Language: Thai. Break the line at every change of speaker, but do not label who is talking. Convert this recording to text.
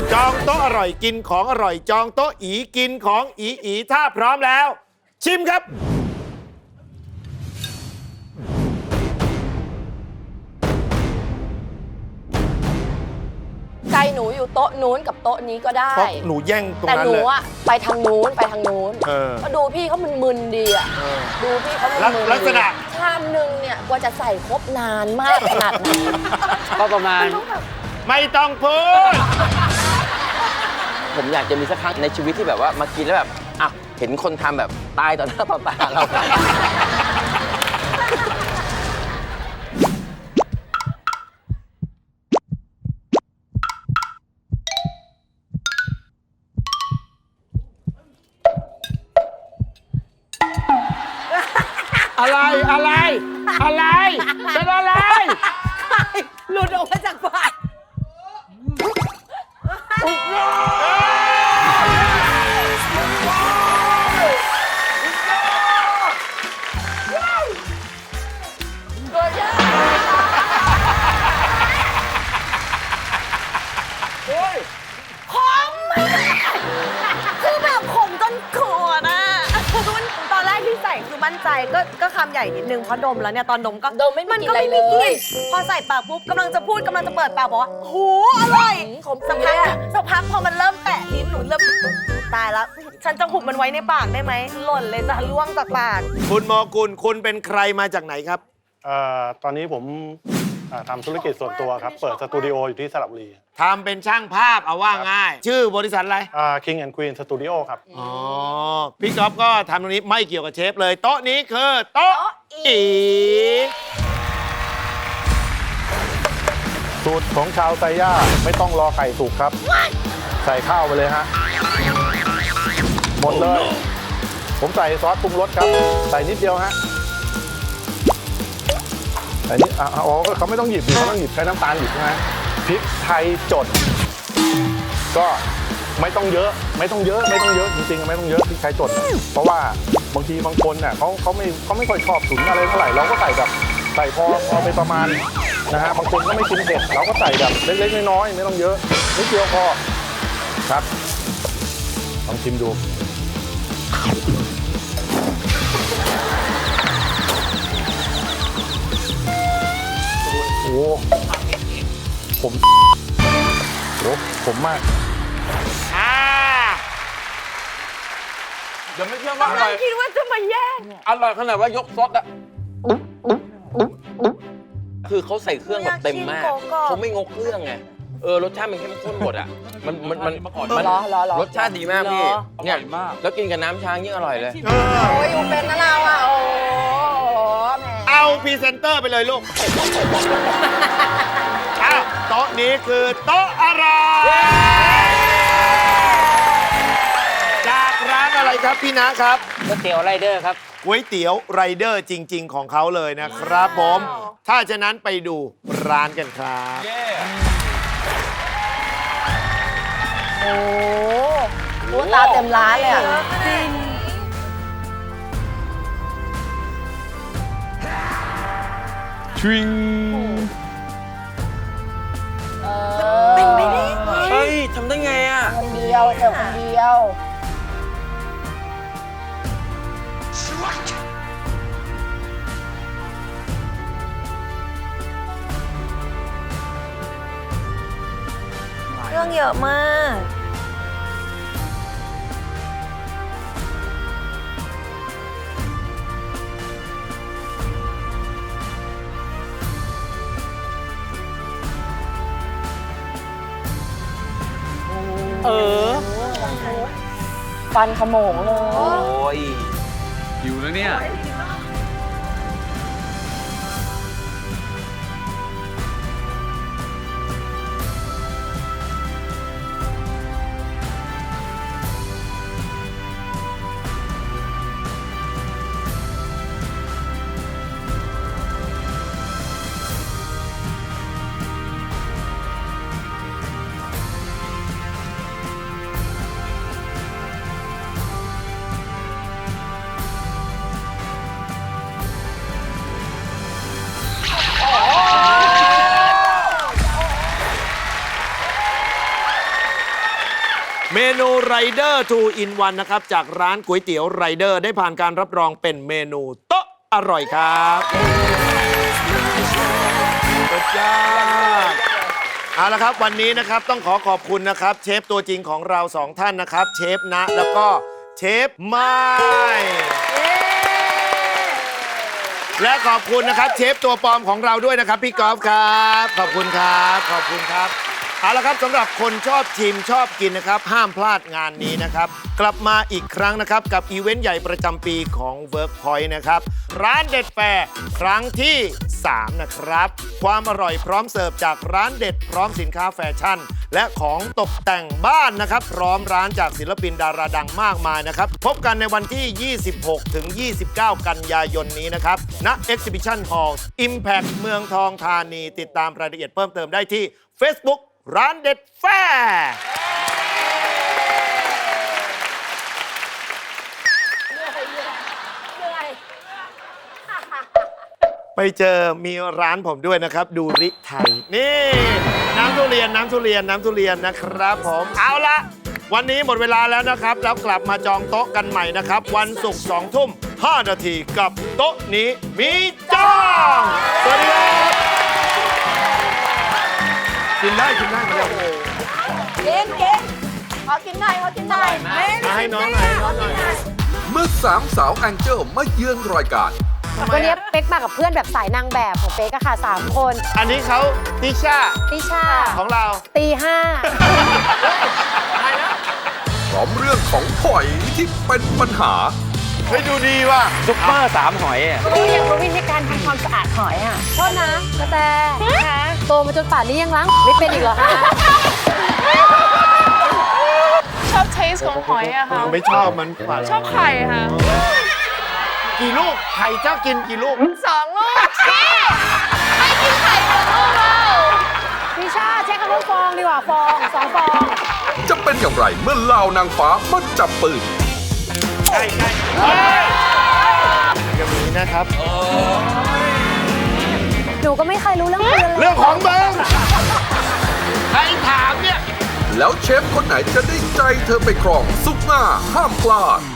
จองโต๊ะอร่อยกินของอร่อยจองโต๊ะอีกินของอีถ้าพร้อมแล้ว ชิมครับ
ใจหนูอยู่โต๊ะนู้นกับโต๊ะนี้ก็ได้
เพราะหนูแย่งตรง
แต่
นั้น
หนู
เลย
อะไปทางนู้นก็ดูพี่เขามึนๆดีอะดูพี่เขามึนๆ
ลักษณะ
ชามหนึ่งเนี่ยกว่าจะใส่ครบนานมากขนาดไหน
ก็ประมาณ
ไม่ต้องพูด
ผมอยากจะมีสักครั้งในชีวิตที่แบบว่ามากินแล้วแบบอ่ะเห็นคนทำแบบตายต่อหน้าต่อตาเรา
อะไรอะไรอะไรเป็นอะไร
หลุดออกมาจากปาก
คือแบบขมจนขวดอ่ะตอนแรกที่ใส่คือมั่นใจก็คำใหญ่นิดนึงเพราะดมแล้วเนี่ยตอนดมก็
ดมไม่มี
มัน
กลิ่น
ก็
อะไร
ไม่มีก
เล
ลิ่
ย
นพอใส่ปากปุ๊บกำลังจะพูดกำลังจะเปิดปากบอกว่าโหอร่อย
ขม
สัก
ปี
พัก
เลยอะ
สักพักพอมันเริ่มแตะลิ้นหนูเริ่มตายแล้ว ฉันจะหุบมันไว้ในปากได้ไหมหล่นเลยจะล่วงจากปาก
คุณโมกุลคุณเป็นใครมาจากไหนครับ
ตอนนี้ผมทำธุรกิจส่วนตัวครับ เปิดสตูดิโออยู่ที่สระบุรี
ทำเป็นช่างภาพเอาว่าง่าย ชื่อบริษัทอะไร
King and Queen Studio ครับ
อ๋อ พี่ก๊อฟก็ทำตรงนี้ไม่เกี่ยวกับเชฟเลย โต๊ะนี้คือโต๊ะอี
สูตรของชาวไซย่าไม่ต้องรอไก่สุกครับ ใส่ข้าวไปเลยฮะ หมดเลย ผมใส่ซอสปรุงรสครับ ใส่นิดเดียวฮะ ใส่นิดอ๋อเขาไม่ต้องหยิบดิเขาต้องหยิบใช้น้ำตาลหยิบใช่ไหมพริกไทยจด ก็ไม่ต้องเยอะไม่ต้องเยอะไม่ต้องเยอะจริงๆไม่ต้องเยอะพริกไทยจด เพราะว่าบางทีบางคนเนี่ยเขาไม่ค่อยชอบตุ๋นอะไรเท่าไหร่เราก็ใส่แบบใส่พอไปประมาณนะฮะบางคนก็ไม่กินเผ็ดเราก็ใส่แบบเล็กๆน้อยๆไม่ต้องเยอะนิดเดียวพอครับลองชิมดูโอ้ผมมาก
เดี๋ยวไม่เชื่อว่าอร่อย
คิดว่าจะมาแย่ง
อร่อยขนาดว่ายกซดอะคือเขาใส่เครื่องแบบเต็มมาก เขาไม่งกเครื่องไง รสชาติมันเข้มข้นหมดอะมันรสชาติดีมากพี่ เนี่ยแล้วกินกับน้ำช้างยิ่งอร่อยเลย
โอ้ยอยู่เป็นนะเราอะโอ้แหม
เอาพรีเซนเตอร์ไปเลยลูก อ้าวโต๊ะนี้คือโต๊ะอะไร จากร้านอะไรครับพี่นะครับ
ก๋วยเตี๋ยวไรเดอร์ครับ
ก๋วยเตี๋ยวไรเดอร์จริง ๆ ของเขาเลยนะครับผม ถ้าฉะนั้นไปดูร้านกันครับ
โอ้ตัวตาเต็มร้านเลยอะ
จริง
เป็นไม่ได้
เฮ้ยทำได้ไงอะ
คนเดียวเสิร์ฟคนเดียว
เครื่องเยอะมาก
ฟันขโมงเลย
โอ้ย
หิวแล้วเนี่ย
นูไรเดอร์2 in 1นะครับจากร้านก๋วยเตี๋ยวไรเดอร์ได้ผ่านการรับรองเป็นเมนูโต๊ะอร่อยครับสุดยอดเอาละครับวันนี้นะครับต้องขอขอบคุณนะครับเชฟตัวจริงของเรา2ท่านนะครับเชฟณแล้วก็เชฟไม้และขอบคุณนะครับเชฟตัวปลอมของเราด้วยนะครับพี่กอล์ฟครับขอบคุณครับขอบคุณครับเอาละครับสำหรับคนชอบชิมชอบกินนะครับห้ามพลาดงานนี้นะครับกลับมาอีกครั้งนะครับกับอีเวนต์ใหญ่ประจำปีของ Workpoint นะครับร้านเด็ดแฟร์ครั้งที่3นะครับความอร่อยพร้อมเสิร์ฟจากร้านเด็ดพร้อมสินค้าแฟชั่นและของตกแต่งบ้านนะครับพร้อมร้านจากศิลปินดาราดังมากมายนะครับพบกันในวันที่ 26 ถึง 29 กันยายนนี้นะครับณ Exhibition Hall Impact เมืองทองธานีติดตามรายละเอียดเพิ่มเติมได้ที่ Facebook ร้านเด็ดแฟร์ไปเจอมีร้านผมด้วยนะครับดูริไทยนี่น้ำทุเรียนนะครับผมเอาละวันนี้หมดเวลาแล้วนะครับแล้วกลับมาจองโต๊ะกันใหม่นะครับวันศุกร์2 ทุ่ม 5 นาทีกับโต๊ะนี้มีจองสวัสดีครับกินได้มาแล้ว
กินขอกินหน่อย
มาให้น้องหน่อย
เมื่อสามสาวแองเจิลมาเยือนรายการ
วันนี้เป๊กมากับเพื่อนแบบสายนางแบบของเป๊กอะค่ะ3 คน
อันนี้เขาติชา
ติชา
ของเรา
ตี
พร้อมเรื่องของหอยที่เป็นปัญหา
เฮ้ยดูดีว่ะ
ซุปเปอร์3 หอยอ่ะ
5อยากรู้วิธีการทำความสะอาดหอยอะโทษนะกระแตคะโตมาจนป่านนี้ยังล้างไม่เป็นอีกเหรอคะ
ชอบเทสของหอยอะค่ะ
ไม่ชอบมันฝัน
ชอบไข่ค่ะ
กี่ลูกไข่เจ้ากินกี่ลูก
2 ลูกชี้ไม่กินไข่1 ลูกเรา
ติชาใช้คำว่าฟองดีกว่าฟอง2 ฟอง
จะเป็นอย่างไรเมื่อเหล่านางฟ้ามาจับปืน
ใช่อย่างนี้นะครับ
หนูก็ไม่เคยรู้เรื่องปืนเลย
เรื่องของมึงใครถามเนี่ย
แล้วเชฟคนไหนจะได้ใจเธอไปครองซุปหน้าห้ามพลาด